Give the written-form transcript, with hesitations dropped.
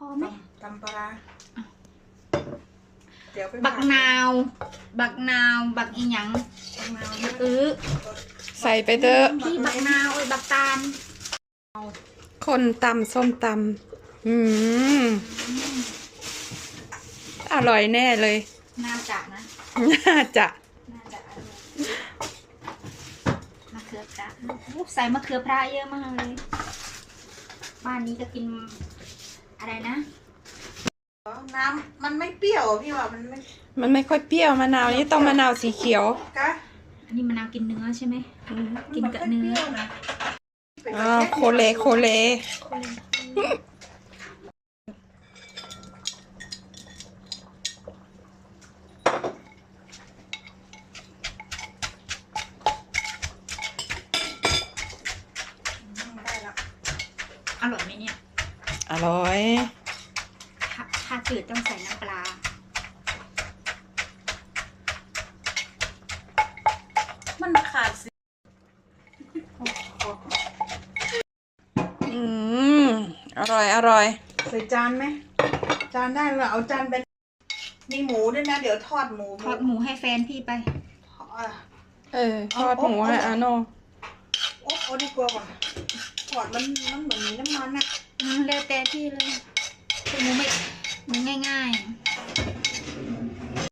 ไหมตำปลาเดี๋ยวไปบักนาวบักอีหยังใส่ไปเถอะพี่บักนาวบักตาลคนตำส้มตำอร่อยแน่เลยน่าจะนะน่าจะน่าจะมะเขือพระใส่มะเขือพระเยอะมากเลยบ้านนี้ก็กินอะไรนะน้ำมันไม่เปรี้ยวพี่ว่ามันไม่มันไม่ค่อยเปรี้ยวมะนาวนี่ต้องมะนาวสีเขียวกะอันนี้มะนาวกินเนื้อใช่ไหมกินกับเนื้อโคเลโคเลได้แล้วอร่อยไหมเนี่ยอร่อยถ้าจืดต้องใส่น้ำปลามันขาดสิอร่อยอร่อยใส่จานไหมจานได้เราเอาจานเป็นมีหมูด้วยนะเดี๋ยวทอดหมูทอดหมูให้แฟนพี่ไปทอดหมูให้อาโนโอ้ดีกว่าว่ะทอดมันเหมือนมีน้ำมันอะแล้วแต่พี่เลยหมูง่ายๆ